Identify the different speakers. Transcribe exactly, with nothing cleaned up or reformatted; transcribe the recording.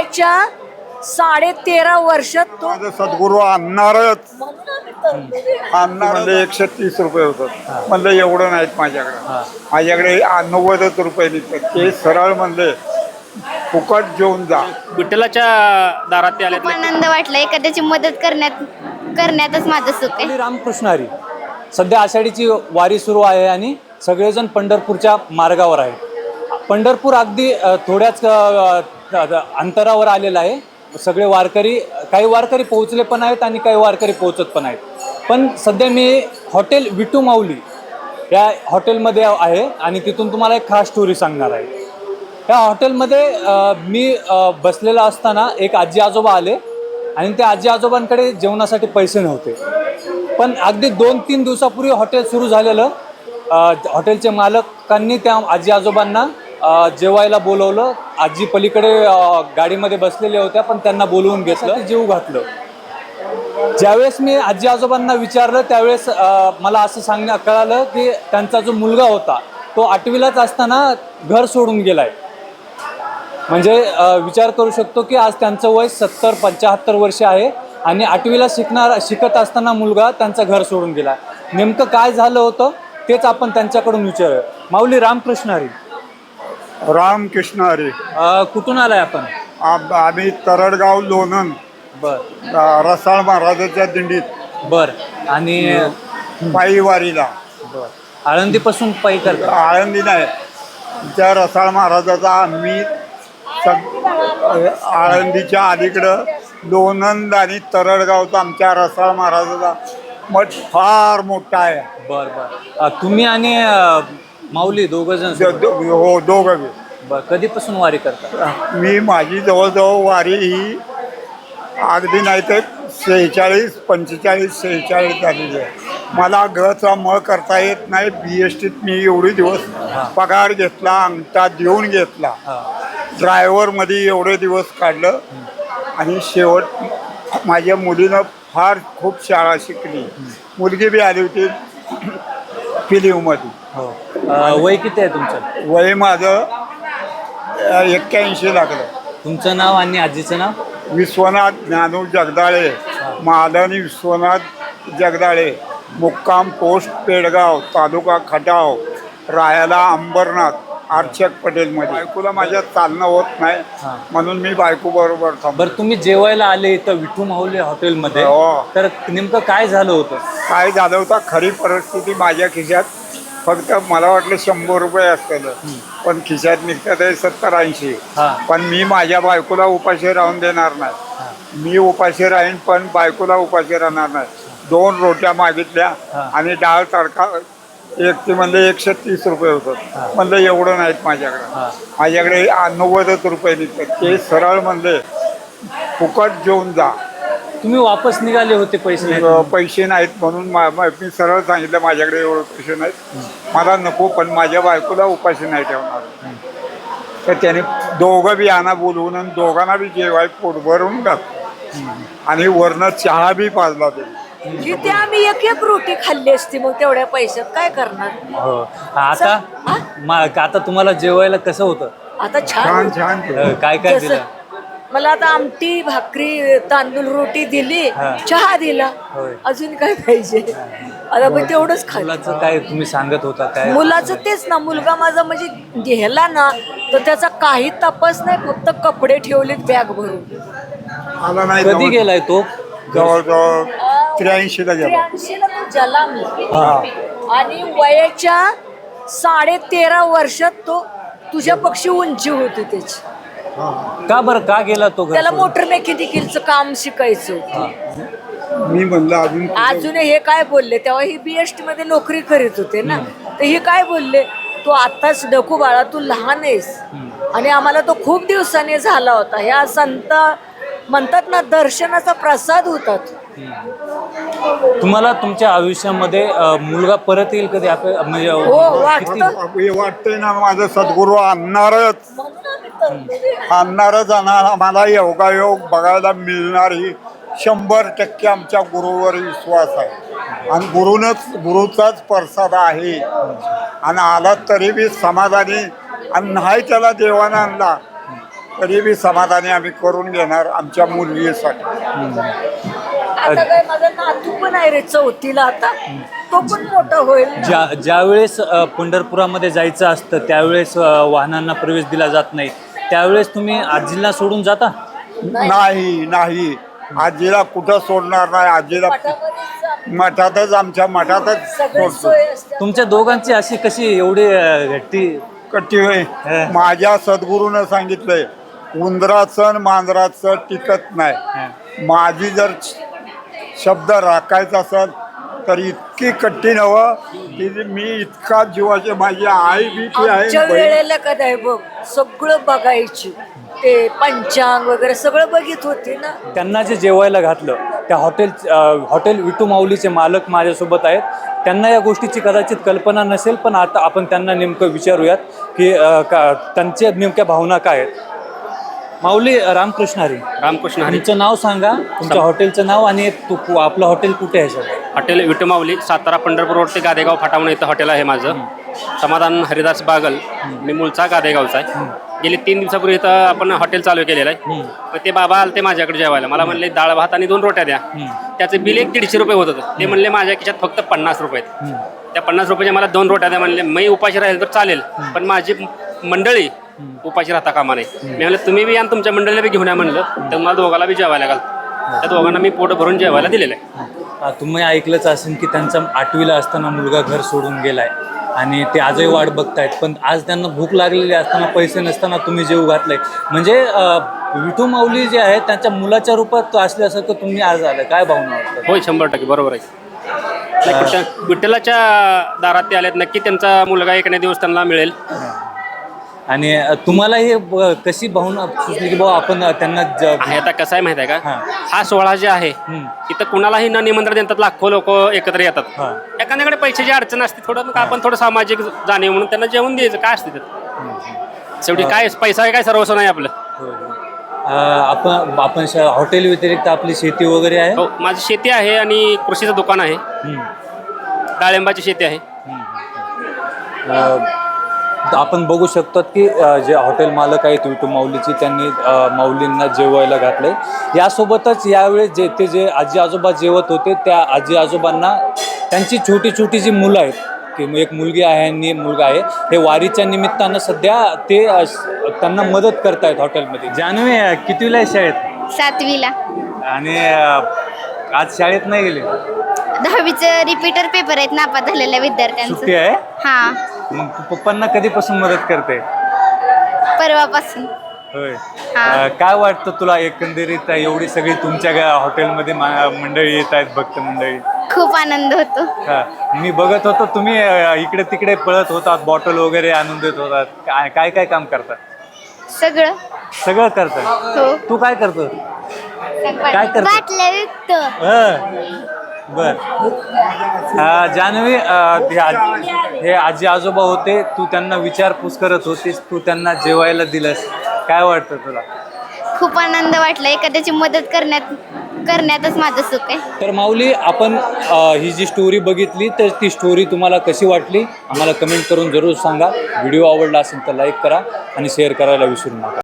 Speaker 1: वयाच्या साडे तेरा वर्षात तो
Speaker 2: माझं सद्गुरू आणणारच
Speaker 1: म्हणून आम्ही तरतुदी
Speaker 2: आणणार म्हणजे एकशे तीस रुपये होतात. म्हणलं एवढं नाहीत माझ्याकडे, माझ्याकडे नव्वदच रुपये निघतात. ते सरळ म्हणले फुकट घेऊन जा.
Speaker 3: विठ्ठलाच्या दारात ते आले.
Speaker 4: खूप आनंद वाटला. एखाद्याची मदत करण्यात करण्यातच माझं सुख आहे.
Speaker 5: श्री रामकृष्ण हरी. सध्या आषाढीची वारी सुरू आहे आणि सगळेजण पंढरपूरच्या मार्गावर आहे. पंढरपूर अगदी अ, थोड्याच अ, अ, अंतरावर आलेलं आहे. सगळे वारकरी, काही वारकरी पोहोचले पण आहेत आणि काही वारकरी पोहोचत पण आहेत. पण सध्या मी हॉटेल विठू माऊली या हॉटेलमध्ये आहे आणि तिथून तुम्हाला एक खास स्टोरी सांगणार आहे. या हॉटेलमध्ये अ, मी अ, बसलेला असताना एक आजी आजोबा आले आणि त्या आजी आजोबांकडे जेवणासाठी पैसे नव्हते. पण अगदी दोन तीन दिवसापूर्वी हॉटेल सुरू झालेलं. अ, हॉटेलचे मालकांनी त्या आजी आजोबांना अ, जेवायला बोलवलं. आजी पलीकडे अ, गाडीमध्ये बसलेल्या होत्या पण त्यांना बोलवून घेतलं, जीव घातलं. ज्यावेळेस मी आजी आजोबांना विचारलं त्यावेळेस अ, मला असं सांगण्या कळालं की त्यांचा जो मुलगा होता तो आठवीलाच असताना घर सोडून गेलाय. म्हणजे अ, विचार करू शकतो की आज त्यांचं वय सत्तर पंच्याहत्तर वर्ष आहे आणि आठवीला शिकणार शिकत असताना मुलगा त्यांचं घर सोडून गेला. नेमकं काय झालं होतं तेच आपण त्यांच्याकडून विचारूया. माऊली रामकृष्ण हरी.
Speaker 2: रामकृष्ण हरी.
Speaker 5: अ, कुठून आलाय आपण?
Speaker 2: आम- आम्ही तरडगाव लोणंद
Speaker 5: बर
Speaker 2: अ, रसाळ महाराजाच्या दिंडीत
Speaker 5: बर आणि
Speaker 2: पायी वारीला.
Speaker 5: बर आळंदीपासून पायी करता?
Speaker 2: आळंदी नाही, त्या रसाळ महाराजाचा आम्ही सग आळंदीच्या अलीकडं लोणंद आणि तरडगावचा आमच्या रसाळ महाराजाचा मठ फार मोठा आहे.
Speaker 5: बर बर अ, तुम्ही आणि अ, माऊली दोघं जण
Speaker 2: द- दो- हो दोघं बी.
Speaker 5: बर कधीपासून वारी करता?
Speaker 2: मी माझी जवळजवळ वारी ही अगदी नाही तर शेहेचाळीस पंचेचाळीस शेहेचाळीस झालेली आहे. मला घरचा मळ करता येत नाही. बी एस टीत मी एवढे दिवस पगार घेतला, अंगठा देऊन घेतला,
Speaker 5: हां
Speaker 2: ड्रायव्हरमध्ये एवढे दिवस काढलं आणि शेवट माझ्या मुलीनं फार खूप शाळा शिकली. मुलगी बी आली होती फिलिममध्ये.
Speaker 5: हो अ, वय किती आहे तुमचं?
Speaker 2: वय माझं एक्क्याऐंशी लागलं.
Speaker 5: तुमचं नाव आणि आजीचं नाव?
Speaker 2: विश्वनाथ ज्ञानू जगदाळे, मालनी विश्वनाथ जगदाळे, मुक्काम पोस्ट पेडगाव, तालुका खटाव, राहायला अंबरनाथ, अर्चक पटेलमध्ये. बायकोला माझ्या चालणं होत नाही
Speaker 5: हां.
Speaker 2: म्हणून मी बायको बरोबर थांबलो.
Speaker 5: बरं तुम्ही जेवायला आले इथं विठू माऊली हॉटेलमध्ये,
Speaker 2: हो.
Speaker 5: तर नेमकं काय झालं होतं?
Speaker 2: काय झालं होतं, खरी परिस्थिती माझ्या खिशात फक्त मला वाटलं शंभर रुपये असतं, पण खिशात निघतात आहे सत्तर ऐंशी.
Speaker 5: हां
Speaker 2: पण मी माझ्या बायकोला उपाशी राहून देणार नाही. मी उपाशी राहीन पण बायकोला उपाशी राहणार नाही. दोन रोट्या मागितल्या
Speaker 5: हां.
Speaker 2: आणि डाळ तडका एक ते म्हणले एकशे तीस रुपये होतं. म्हणलं एवढं नाहीत माझ्याकडे,
Speaker 5: हां
Speaker 2: माझ्याकडे नव्वदच रुपये निघतात. ते सरळ म्हणले फुकट घेऊन जा.
Speaker 5: तुम्ही वापस निघाले होते पैसे नाही?
Speaker 2: अ, पैसे नाहीत म्हणून मा- मा- मी सरळ सांगितलं माझ्याकडे एवढे पैसे नाहीत, मला नको, पण माझ्या बायकोला उपाशी नाही ठेवणार. तर त्याने दोघं बी आणा बोलवून आणि दोघांना बी जेवाय पोट भरून घातलं आणि वरनं चहा बी पाजला ते.
Speaker 1: जिथे आम्ही एक एक रोटी खाल्ली असती मग तेवढ्या पैशात काय करणार.
Speaker 5: हो आता
Speaker 1: हा?
Speaker 5: मा- आता तुम्हाला जेवायला कसं होतं?
Speaker 1: आता
Speaker 2: छान
Speaker 1: छान
Speaker 2: छान
Speaker 5: अ,
Speaker 2: केलं.
Speaker 5: काय काय
Speaker 1: जसं-
Speaker 5: दिलं?
Speaker 1: मला आता आमटी भाकरी तांदूळ रोटी दिली,
Speaker 5: हा.
Speaker 1: चहा दिला,
Speaker 5: होय.
Speaker 1: अजून काय पाहिजे. आता पण तेवढंच खाल्लं.
Speaker 5: मुलाचं काय तुम्ही सांगत होता काय?
Speaker 1: मुलाचं तेच ना, मुलगा माझा म्हणजे गेला ना तर त्याचा काही तपास नाही, फक्त कपडे ठेवलेत बॅग भरून.
Speaker 2: आला नाही
Speaker 5: कधी
Speaker 2: जवळ-
Speaker 5: गेलाय तो?
Speaker 2: जवळजवळ त्र्याऐंशीला गेला.
Speaker 1: त्र्याऐंशीला तो जन्मला
Speaker 2: हा.
Speaker 1: आणि वयाच्या साडे तेरा वर्षात तो तुझ्या पक्षी उंची होती त्याची.
Speaker 5: का बरं का गेला तो घर
Speaker 1: त्याला
Speaker 5: सोडून?
Speaker 1: मोटर मेकॅनिकलचं काम शिकायचं होतं.
Speaker 2: मी म्हणलं अजून
Speaker 1: अजून हे काय बोलले, तेव्हा ही बीएसटी मध्ये नोकरी करीत होते ना, तर हे काय बोलले, तू आताच नको बाळा, तू लहान आहेस. आणि आम्हाला तो खूप दिवसाने झाला होता. ह्या संत म्हणतात ना, दर्शनाचा प्रसाद होता तो.
Speaker 5: तुम्हाला तुमच्या आयुष्यामध्ये अ, मुलगा परत येईल कधी? आप- म्हणजे
Speaker 1: हो
Speaker 5: किती-
Speaker 1: वाटतं,
Speaker 2: हे वाटतंय ना माझं सद्गुरू आणणारच
Speaker 1: म्हणून आम्ही तरतुदी
Speaker 2: आणणारच आणणार. आम्हाला योगायोग बघायला मिळणार ही शंभर टक्के आमच्या गुरुवर विश्वास आहे आणि गुरुनच गुरुचाच प्रसाद आहे. आणि आला तरी बी समाधानी, आणि नाही त्याला देवानं आणला तरी बी समाधानी आम्ही करून घेणार आमच्या मुलगीसाठी.
Speaker 1: आता काय माझा नातू पण आहे रे चौथीला आता, तो पण मोठा होईल.
Speaker 5: ज्या ज्यावेळेस अ, पंढरपुरामध्ये जायचं असतं त्यावेळेस अ, वाहनांना प्रवेश दिला जात नाही, त्यावेळेस तुम्ही आजीला सोडून जाता?
Speaker 2: नाही नाही आजीला कुठं सोडणार नाही. आजीला
Speaker 1: मठामध्येच
Speaker 2: मठातच आमच्या मठातच
Speaker 1: सगळी
Speaker 2: सोडतो.
Speaker 1: सोय असते.
Speaker 5: तुमच्या दोघांची अशी कशी एवढी अ, घट्टी?
Speaker 2: कट्टी होय.
Speaker 5: हं.
Speaker 2: माझ्या सद्गुरूनं सांगितलंय उंदराचं आणि मांजराचं टिकत नाही. माझी जर शब्द राखायचा असेल तर इतकी कट्टी नवं की मी इतका जीवाचे, माझी आई बी ती आहे
Speaker 1: आमच्या
Speaker 2: बहीण.
Speaker 1: वेळेला कदाय बघ सगळं बघायची, ते पंचांग वगैरे सगळं बघित होती ना.
Speaker 5: त्यांना जे जेवायला घातलं त्या हॉटेल अ, हॉटेल विटू माऊलीचे मालक माझ्यासोबत आहेत. त्यांना या गोष्टीची कदाचित कल्पना नसेल, पण आता आपण त्यांना नेमकं विचारूयात की अ, का त्यांच्या नेमक्या भावना काय आहेत. माऊली रामकृष्ण हरी.
Speaker 3: रामकृष्ण हरी.
Speaker 5: तुमचं नाव सांगा, तुमच्या हॉटेलचं नाव, आणि तू आपलं हॉटेल कुठे आहे sir?
Speaker 3: Hotel Vitmavali, Satara Pandharpur road ते गादेगाव फाटा म्हणून इथं हॉटेल आहे माझं. समाधान हरिदास बागल. मी मूळचा गादेगावचा आहे. गेली तीन दिवसापूर्वी इथं आपण हॉटेल चालू केलेलं आहे. मग ते बाबा आले ते माझ्याकडे जेवायला. मला म्हणले डाळ भात आणि दोन रोट्या द्या. त्याचं बिल एक दीडशे रुपये होत होतं. ते म्हणले माझ्या खिशात फक्त पन्नास रुपये आहेत. त्या पन्नास रुपयाच्या मला दोन रोट्या द्या म्हणले. मी उपाशी राहील तर चालेल, पण माझी मंडळी उपाशी राहता कामा नाही. मी म्हणलं तुम्ही बी आणि तुमच्या मंडळीला बी घेऊन या म्हणलं, तर मला दोघाला बी जेवायला घाल. त्या दोघांना मी पोट भरून जेवायला दिलेलं आहे.
Speaker 5: अ, तुम्ही ऐकलंच असेल की त्यांचा आठवीला असताना मुलगा घर सोडून गेलाय आणि ते आजही वाट बघतायत, पण आज त्यांना भूक लागलेली असताना पैसे नसताना तुम्ही जेव घातलंय. म्हणजे अ, विठू माऊली जे आहे त्यांच्या मुलाच्या रूपात असल्यासारखं तुम्ही आज आलं. काय भावना वाटतं?
Speaker 3: होय, शंभर टक्के बरोबर आहे. नाही, विठ्ठल- विठ्ठलाच्या दारात ते आलेत, नक्की त्यांचा मुलगा एखाद्या दिवस त्यांना मिळेल.
Speaker 5: आणि अ, तुम्हाला हे ब- कशी भावना सुचली की बाबा आपण त्यांना ज-
Speaker 3: आहे आता कसं आहे माहिती आहे का,
Speaker 5: हां.
Speaker 3: हा सोहळा जे आहे
Speaker 5: हम्म.
Speaker 3: इथं कुणालाही न निमंत्रण देतात, लाखो लोक एकत्र येतात.
Speaker 5: हां.
Speaker 3: एखाद्याकडे पैशाची अडचण असते, थोडं मग आपण थोडं सामाजिक जाणीव म्हणून त्यांना जेवण द्यायचं. काय असते त्यात शेवटी काय पैसा काय सर्वस्व नाही आपलं.
Speaker 5: होय, होय. अ, आपण आपण श- हॉटेल व्यतिरिक्त आपली शेती वगैरे आहे?
Speaker 3: हो, माझी शेती आहे आणि कृषीचं दुकान आहे.
Speaker 5: हम्म.
Speaker 3: डाळिंबाची शेती आहे.
Speaker 5: अ, आपण बघू शकतो की अ, जे हॉटेल मालक आहेत विठू माऊलीची, त्यांनी अ, माऊलींना जेवायला घातलंय. यासोबतच यावेळेस जे ते जे आजी आजोबा जेवत होते त्या आजी आजोबांना त्यांची छोटी छोटी जी मुलं आहेत, की एक मुलगी आहे आणि मुलगा आहे, हे वारीच्या निमित्तानं सध्या ते अ, त्यांना मदत करतायत हॉटेलमध्ये. जानवी अ, कितवीला आहे शाळेत?
Speaker 4: सातवीला.
Speaker 5: आणि अ, आज शाळेत नाही गेले?
Speaker 4: दहावीचं रिपीटर पेपर आहेत नापास झालेल्या विद्यार्थ्यांचं.
Speaker 5: सुट्टी आहे?
Speaker 4: हा,
Speaker 5: मग तू पप्पांना कधीपासून मदत करते?
Speaker 4: परवापासून.
Speaker 5: होय.
Speaker 4: हा.
Speaker 5: अ, काय वाटतं तुला एकंदरीत एवढी सगळी तुमच्या गा- हॉटेलमध्ये मा- मंडळी येत आहेत, भक्त मंडळी?
Speaker 4: खूप आनंद होतो.
Speaker 5: हा. मी बघत होतो तुम्ही अ, इकडे तिकडे पळत होतात, बॉटल वगैरे आणून देत होतात. काय काय काय काम करतात?
Speaker 4: सगळं.
Speaker 5: सगळं करतात.
Speaker 4: हो.
Speaker 5: तू काय करतो? काय करतो?
Speaker 4: बाटल्या विकतो.
Speaker 5: हं. बर. अ, जान्हवी, अ, हे आजी- हे आजी आजोबा होते, तू त्यांना विचारपूस करत होतीस, तू त्यांना जेवायला दिलंस. काय वाटतं तुला?
Speaker 4: खूप आनंद वाटला. एखाद्याची मदत करण्यात करण्यातच माझं सुख आहे.
Speaker 5: तर माऊली, आपण अ, ही जी स्टोरी बघितली, तर ती स्टोरी तुम्हाला कशी वाटली आम्हाला कमेंट करून जरूर सांगा. व्हिडिओ आवडला असेल तर लाईक करा आणि शेअर करायला विसरू नका.